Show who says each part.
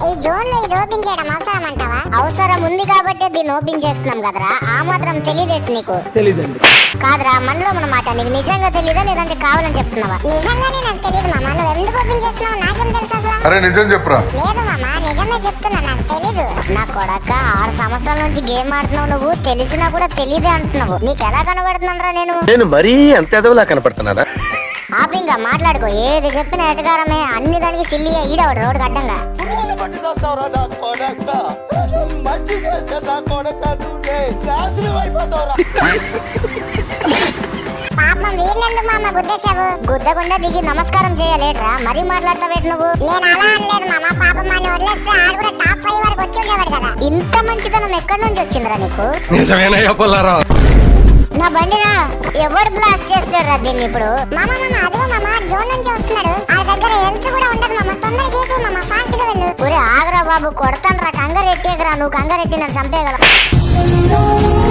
Speaker 1: ఈ జోన్ లో ఇది ఓపెన్ చేయడం అవసరం అంటావా?
Speaker 2: అవసరం ఉంది కాబట్టి దీన్ని ఓపెన్ చేస్తున్నాం కదరా. ఆ మాత్రం తెలియదేంటి నీకు?
Speaker 3: తెలీదండి.
Speaker 2: కాదురా, మనలో మన మాట నీకు నిజంగా తెలీదా లేదంటే కావాలని చెప్తున్నావా?
Speaker 1: నిజంగానే నాకు తెలియదు మామ. నువ్వు ఎందుకు ఓపెన్ చేస్తున్నావు నాకేం తెలుసు అసలు?
Speaker 4: అరే నిజం చెప్పురా.
Speaker 1: లేదు మామ, నిజమే చెప్తున్నా, నాకు తెలీదు.
Speaker 2: నా కొడక 6 సంవత్సరాల నుంచి గేమ్ ఆడుతున్నావు, నువ్వు తెలిసినా కూడా తెలియదే అంటున్నావు. నీకు ఎలా కనబడుతున్నారా నేను
Speaker 3: మరీ అంత ఎదవలా కనపడుతున్నారా?
Speaker 2: ఆపింగా మాట్లాడుకో. ఏది చెప్పిన ఎటకారమే, అన్ని దానికి సిల్లిగా ఈడవాడు రోడ్డు అడ్డంగా.
Speaker 1: పాపం వీణెందుకు మామ గుద్దేశావు?
Speaker 2: గుద్దకుండా దిగి నమస్కారం చేయలేట్రా, మరీ మాట్లాడతావేటి నువ్వు?
Speaker 1: నేను అలా అనలేదు మామ. పాపం మన వదిలేస్తే ఆడు కూడా టాప్ 5 వరకు వచ్చి ఉండేవాడు కదా.
Speaker 2: ఇంత మంచితనం ఎక్కడి నుంచి వచ్చిందిరా నీకు?
Speaker 3: నిజమేనయ్యా పుల్లారావు.
Speaker 2: నా బండిరా ఎవడు బ్లాస్ట్ చేస్తాడురా దీన్ని ఇప్పుడు?
Speaker 1: మామ అదిగో మామ, జోన్ నుంచి వస్తున్నాడు. ఆ దగ్గర హెల్త్ కూడా ఉండదు మామ. తొందరగా చేసి మామ, ఫాస్ట్ గా వెళ్ళు.
Speaker 2: ఒరే ఆగరా బాబు, కొడతాను రా. కంగారెట్టేకరా, నువ్వు కంగారెట్టి నన్ను చంపేయగల.